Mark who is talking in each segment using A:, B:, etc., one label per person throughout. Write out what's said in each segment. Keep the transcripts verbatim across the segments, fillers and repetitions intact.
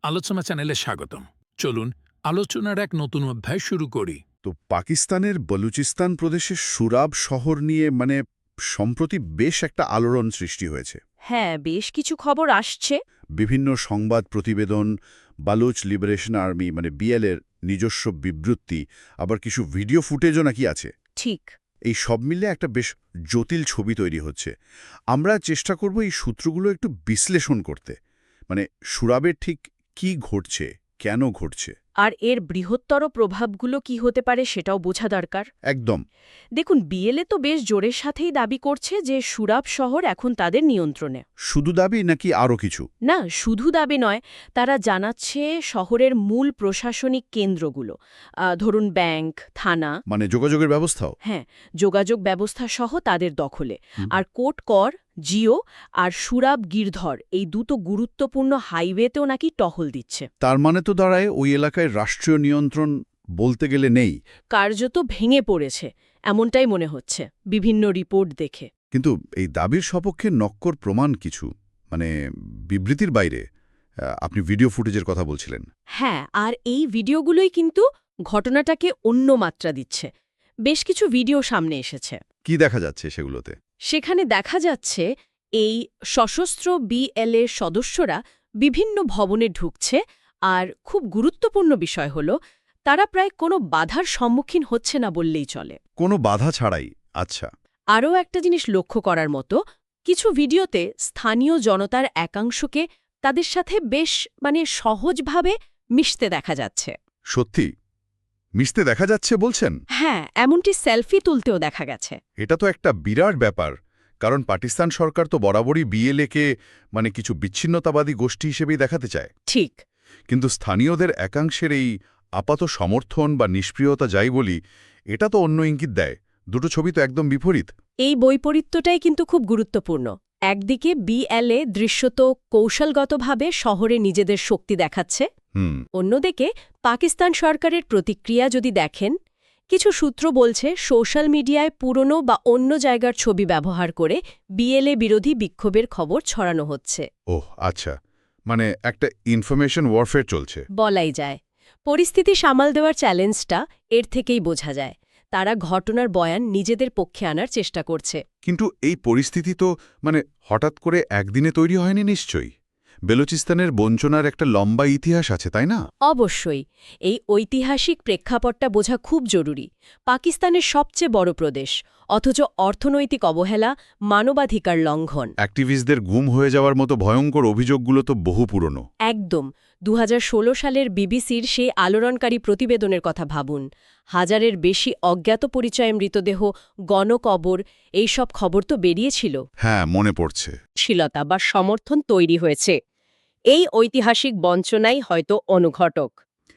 A: আলোচনা চ্যানেলে স্বাগতম। চলুন আলোচনার এক নতুন অধ্যায় শুরু করি।
B: তো পাকিস্তানের বলুচিস্তান প্রদেশের সুরাব শহর নিয়ে মানে সম্প্রতি বেশ একটা আলোড়ন সৃষ্টি হয়েছে।
C: হ্যাঁ, বেশ কিছু খবর আসছে।
B: বিভিন্ন সংবাদ প্রতিবেদন, বালুচ লিবারেশন আর্মি মানে বিএলের নিজস্ব বিবৃতি, আবার কিছু ভিডিও ফুটেজও নাকি আছে।
C: ঠিক।
B: এই সব মিলে একটা বেশ জটিল ছবি তৈরি হচ্ছে। আমরা চেষ্টা করব এই সূত্রগুলো একটু বিশ্লেষণ করতে, মানে সুরাবের ঠিক কি ঘটছে, কেন ঘটছে।
C: আর এর বৃহত্তর প্রভাবগুলো কি হতে পারে সেটাও বোঝা দরকার।
B: একদম।
C: দেখুন, বিএলএ তো বেশ জোরের সাথেই দাবি করছে যে সুরাব শহর এখন তাদের নিয়ন্ত্রণে।
B: শুধু দাবি নাকি আরও কিছু?
C: না, শুধু দাবি নয়, তারা জানাচ্ছে শহরের মূল প্রশাসনিক কেন্দ্রগুলো, আহ, ধরুন ব্যাংক, থানা,
B: মানে যোগাযোগের ব্যবস্থাও?
C: হ্যাঁ, যোগাযোগ ব্যবস্থা সহ তাদের দখলে। আর কোট কর, জিও আর সুরাব গিরধর এই দুটো গুরুত্বপূর্ণ হাইওয়েতেও নাকি টহল দিচ্ছে।
B: তার মানে তো দাঁড়ায় ওই এলাকায় রাষ্ট্রীয় নিয়ন্ত্রণ বলতে গেলে নেই।
C: কার্যত ভেঙে পড়েছে এমনটাই মনে হচ্ছে বিভিন্ন রিপোর্ট দেখে।
B: কিন্তু এই দাবির সপক্ষে নক্কর প্রমাণ কিছু, মানে বিবৃতির বাইরে। আহ, আপনি ভিডিও ফুটেজের কথা বলছিলেন।
C: হ্যাঁ, আর এই ভিডিওগুলোই কিন্তু ঘটনাটাকে অন্য মাত্রা দিচ্ছে। বেশ কিছু ভিডিও সামনে এসেছে।
B: কি দেখা যাচ্ছে সেগুলোতে?
C: সেখানে দেখা যাচ্ছে এই সশস্ত্র বিএলএ সদস্যরা বিভিন্ন ভবনে ঢুকছে, আর খুব গুরুত্বপূর্ণ বিষয় হল তারা প্রায় কোনো বাধার সম্মুখীন হচ্ছে না বললেই চলে।
B: কোনো বাধা ছাড়াই? আচ্ছা।
C: আরও একটা জিনিস লক্ষ্য করার মতো, কিছু ভিডিওতে স্থানীয় জনতার একাংশকে তাদের সাথে বেশ মানে সহজভাবে মিশতে দেখা যাচ্ছে।
B: সত্যি মিশতে দেখা যাচ্ছে বলছেন?
C: হ্যাঁ, এমনটি সেলফি তুলতেও দেখা গেছে।
B: এটা তো একটা বিরাট ব্যাপার, কারণ পাকিস্তান সরকার তো বরাবরই বিএলএকে মানে কিছু বিচ্ছিন্নতাবাদী গোষ্ঠী হিসেবেই দেখাতে চায়।
C: ঠিক।
B: কিন্তু স্থানীয়দের একাংশের এই আপাত সমর্থন বা নিষ্ক্রিয়তা যাই বলি, এটা তো অন্য ইঙ্গিত দেয়। দুটো ছবি তো একদম বিপরীত।
C: এই বৈপরীত্যটাই কিন্তু খুব গুরুত্বপূর্ণ। একদিকে বিএলএ দৃশ্যত কৌশলগতভাবে শহরে নিজেদের শক্তি দেখাচ্ছে,
B: হুম।
C: অন্যদিকে পাকিস্তান সরকারের প্রতিক্রিয়া যদি দেখেন, কিছু সূত্র বলছে সোশ্যাল মিডিয়ায় পুরনো বা অন্য জায়গার ছবি ব্যবহার করে বিএলএ বিরোধী বিক্ষোভের খবর ছড়ানো হচ্ছে।
B: ওহ আচ্ছা, মানে একটা ইনফরমেশন ওয়ারফেয়ার চলছে
C: বলাই যায়। পরিস্থিতি সামাল দেওয়ার চ্যালেঞ্জটা এর থেকেই বোঝা যায়। তারা ঘটনার বয়ান নিজেদের পক্ষে আনার চেষ্টা করছে।
B: কিন্তু এই পরিস্থিতি তো মানে হঠাৎ করে একদিনে তৈরি হয়নি নিশ্চয়ই। বেলুচিস্তানের বঞ্চনার একটা লম্বা ইতিহাস আছে, তাই না?
C: অবশ্যই। এই ঐতিহাসিক প্রেক্ষাপটটা বোঝা খুব জরুরি। পাকিস্তানের সবচেয়ে বড় প্রদেশ, অথচ অর্থনৈতিক অবহেলা, মানবাধিকার লঙ্ঘন,
B: অ্যাক্টিভিস্টদের গুম হয়ে যাওয়ার মতো ভয়ঙ্কর অভিযোগগুলো তো বহু পুরনো।
C: একদম। দু হাজার ষোলো সালের বিবিসির সেই আলোড়নকারী প্রতিবেদনের কথা ভাবুন। হাজারের বেশি অজ্ঞাত পরিচয় মৃতদেহ, গণকবর, এইসব খবর তো বেরিয়েছিল।
B: হ্যাঁ, মনে পড়ছে।
C: শীলতা বা সমর্থন তৈরি হয়েছে। এই ঐতিহাসিক বঞ্চনাই হয়তো অনুঘটক।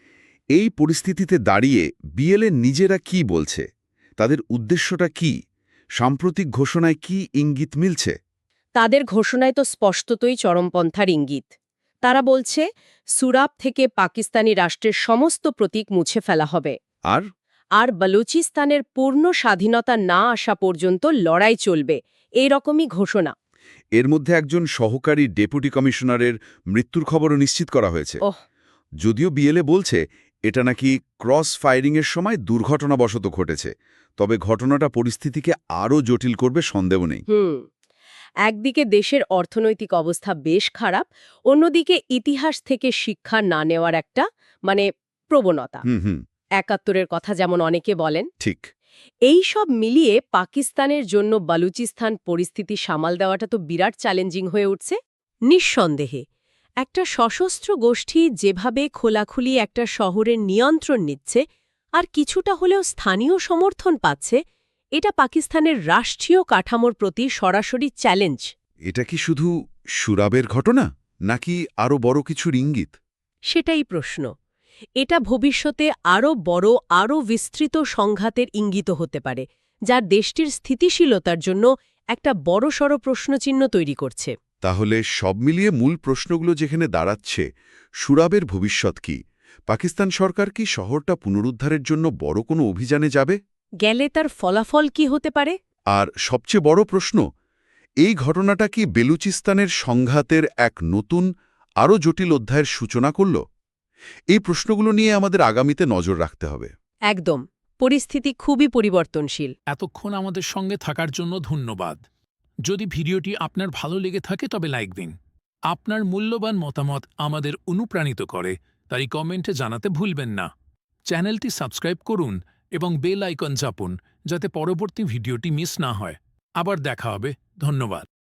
B: এই পরিস্থিতিতে দাঁড়িয়ে বিএলএ নিজেরা কি বলছে? তাদের উদ্দেশ্যটা কি? সাম্প্রতিক ঘোষণায় কি ইঙ্গিত মিলছে?
C: তাদের ঘোষণায় তো স্পষ্টতই চরমপন্থার ইঙ্গিত। তারা বলছে সুরাব থেকে পাকিস্তানি রাষ্ট্রের সমস্ত প্রতীক মুছে ফেলা হবে,
B: আর
C: আর বালুচিস্তানের পূর্ণ স্বাধীনতা না আসা পর্যন্ত লড়াই চলবে, এই রকমই ঘোষণা।
B: এর মধ্যে একজন সহকারী ডেপুটি কমিশনারের মৃত্যুর খবরও নিশ্চিত করা হয়েছে।
C: ওহ।
B: যদিও বিএলএ বলছে এটা নাকি ক্রস ফায়ারিংয়ের সময় দুর্ঘটনাবশত ঘটেছে, তবে ঘটনাটা পরিস্থিতিকে আরও জটিল করবে সন্দেহ নেই।
C: হুম। একদিকে দেশের অর্থনৈতিক অবস্থা বেশ খারাপ, অন্যদিকে ইতিহাস থেকে শিক্ষা না নেওয়ার একটা মানে প্রবণতা।
B: হুম হুম
C: একাত্তরের কথা যেমন অনেকে বলেন।
B: ঠিক।
C: এই সব মিলিয়ে পাকিস্তানের জন্য বালুচিস্তান পরিস্থিতি সামাল দেওয়াটা তো বিরাট চ্যালেঞ্জিং হয়ে উঠছে। নিঃসন্দেহে একটা সশস্ত্র গোষ্ঠী যেভাবে খোলাখুলি একটা শহরের নিয়ন্ত্রণ নিচ্ছে আর কিছুটা হলেও স্থানীয় সমর্থন পাচ্ছে, এটা পাকিস্তানের রাষ্ট্রীয় কাঠামোর প্রতি সরাসরি চ্যালেঞ্জ।
B: এটা কি শুধু সুরাবের ঘটনা, নাকি আরও বড় কিছুর ইঙ্গিত?
C: সেটাই প্রশ্ন। এটা ভবিষ্যতে আরও বড়, আরও বিস্তৃত সংঘাতের ইঙ্গিত হতে পারে, যা দেশটির স্থিতিশীলতার জন্য একটা বড়সড় প্রশ্নচিহ্ন তৈরি করছে।
B: তাহলে সব মিলিয়ে মূল প্রশ্নগুলো যেখানে দাঁড়াচ্ছে, সুরাবের ভবিষ্যৎ কি? পাকিস্তান সরকার কি শহরটা পুনরুদ্ধারের জন্য বড় কোনো অভিযানে যাবে?
C: গেলে তার ফলাফল কি হতে পারে?
B: আর সবচেয়ে বড় প্রশ্ন, এই ঘটনাটা কি বেলুচিস্তানের সংঘাতের এক নতুন আরও জটিল অধ্যায়ের সূচনা করল? এই প্রশ্নগুলো নিয়ে আমাদের আগামীতে নজর রাখতে হবে।
C: একদম। পরিস্থিতি খুবই পরিবর্তনশীল।
A: এতক্ষণ আমাদের সঙ্গে থাকার জন্য ধন্যবাদ। যদি ভিডিওটি আপনার ভালো লেগে থাকে তবে লাইক দিন। আপনার মূল্যবান মতামত আমাদের অনুপ্রাণিত করে, তাই কমেন্টে জানাতে ভুলবেন না। চ্যানেলটি সাবস্ক্রাইব করুন এবং বেল আইকন চাপুন যাতে পরবর্তী ভিডিওটি মিস না হয়। আবার দেখা হবে। ধন্যবাদ।